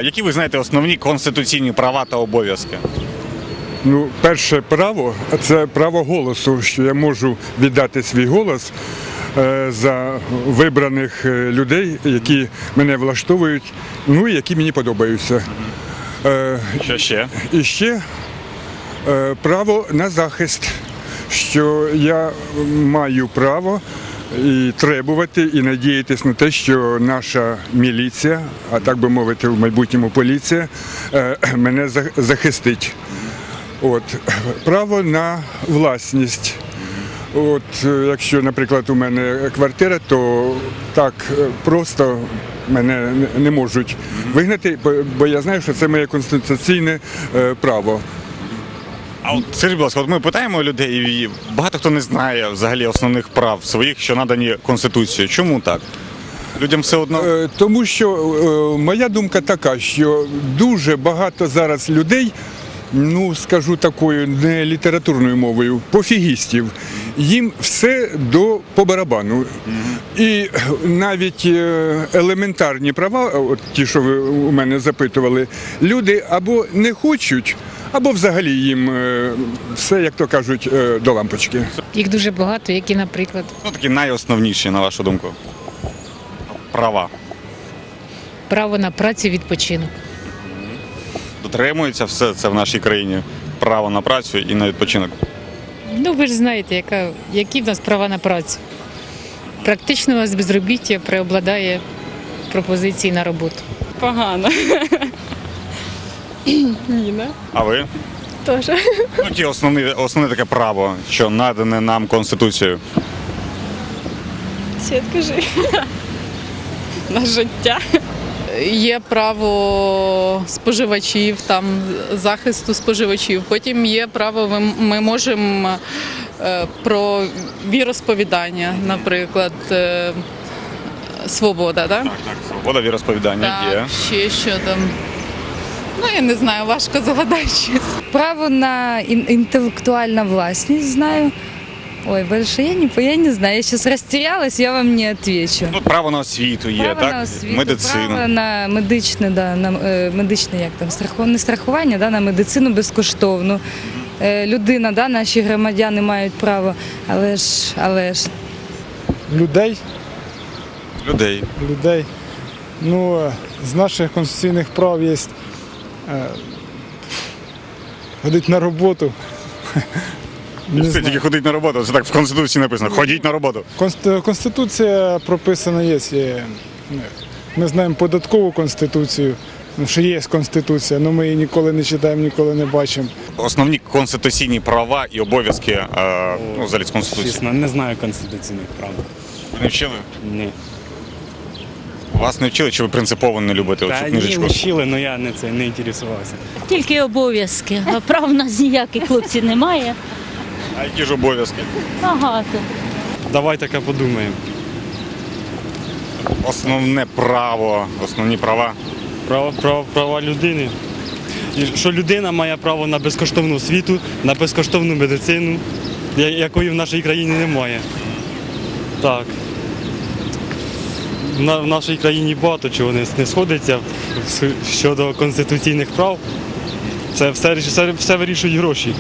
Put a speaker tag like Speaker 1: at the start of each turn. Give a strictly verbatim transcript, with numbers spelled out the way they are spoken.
Speaker 1: Які ви знаєте основні конституційні права та обов'язки?
Speaker 2: Ну, перше право – це право голосу, що я можу віддати свій голос е, за вибраних е, людей, які мене влаштовують, ну і які мені подобаються. Е,
Speaker 1: Що ще?
Speaker 2: І ще е, право на захист, що я маю право і требувати, і надіятися на те, що наша міліція, а так би мовити, в майбутньому поліція, е, мене за- захистить. От, право на власність. От, е, якщо, наприклад, у мене квартира, то так е, просто мене не- не можуть вигнати, бо- бо я знаю, що це моє конституційне е, право.
Speaker 1: А от скажіть, будь ласка, от ми питаємо людей, і багато хто не знає взагалі основних прав своїх, що надані Конституцією. Чому так? Людям все одно.
Speaker 2: Е, Тому що е, моя думка така, що дуже багато зараз людей, ну скажу такою не літературною мовою, пофігістів, їм все до по барабану. І навіть е, елементарні права, от ті, що ви у мене запитували, люди або не хочуть, або взагалі їм е, все, як то кажуть, е, до лампочки.
Speaker 3: Їх дуже багато, які, наприклад,
Speaker 1: Ну, такі найосновніші, на вашу думку, права.
Speaker 3: право на працю і відпочинок.
Speaker 1: Дотримується все це в нашій країні. Право на працю і на відпочинок.
Speaker 3: Ну, ви ж знаєте, яка, які в нас права на працю. Практично у нас безробіття преобладає пропозиції на роботу.
Speaker 4: Погано. Ні, не?
Speaker 1: А ви?
Speaker 4: Теж.
Speaker 1: Ну, ті основні, основне таке право, що надане нам Конституцією.
Speaker 4: Світ, кажи. На життя.
Speaker 5: Є право споживачів, там захисту споживачів. Потім є право, ми, ми можемо е, про віросповідання, наприклад, е, свобода, так?
Speaker 1: Так, так, свобода віросповідання є.
Speaker 5: Так, ще що там. Ну, я не знаю, важко згадати щось.
Speaker 6: Право на ин- интеллектуальную властность знаю. Ой, больше я не, по- я не знаю. Я сейчас растерялась, я вам не отвечу.
Speaker 1: Ну, право на освіту є,
Speaker 6: право
Speaker 1: так?
Speaker 6: на освіту,
Speaker 1: Медицину.
Speaker 6: право на медичне, да, на е, медичне, як там, страху- не страхування, да, на медицину безкоштовну. Е, людина, да, наші громадяни мають право, але ж, але ж
Speaker 7: Людей,
Speaker 1: Людей.
Speaker 7: людей. Ну, е, з наших конституційних прав є е, ходити на роботу. Не
Speaker 1: Все,
Speaker 7: знаю.
Speaker 1: тільки ходить на роботу. Це так в Конституції написано. Ходіть на роботу.
Speaker 7: Конст- Конституція прописана є. є. ну, Ми знаємо податкову конституцію, ну, що є конституція, але ми її ніколи не читаємо, ніколи не бачимо.
Speaker 1: Основні конституційні права і обов'язки е, ну, взагалі з Конституції.
Speaker 8: Чесно, не знаю конституційних прав.
Speaker 1: Ви не вчили?
Speaker 8: Ні.
Speaker 1: Вас не вчили, чи ви принципово не любите
Speaker 8: Та
Speaker 1: оцю
Speaker 8: ні,
Speaker 1: книжечку?
Speaker 8: вчили, але я не це не інтересувався.
Speaker 9: Тільки обов'язки, а прав у нас ніяких, хлопці, немає.
Speaker 1: А які ж обов'язки?
Speaker 9: Багато.
Speaker 8: Давай таке подумаємо.
Speaker 1: Основне право, основні права.
Speaker 8: Право, право, права людини. І що людина має право на безкоштовну освіту, на безкоштовну медицину, я- якої в нашій країні немає. Так. На, в нашій країні багато чого не, не сходиться в- щодо конституційних прав. Це все, все, все вирішують гроші.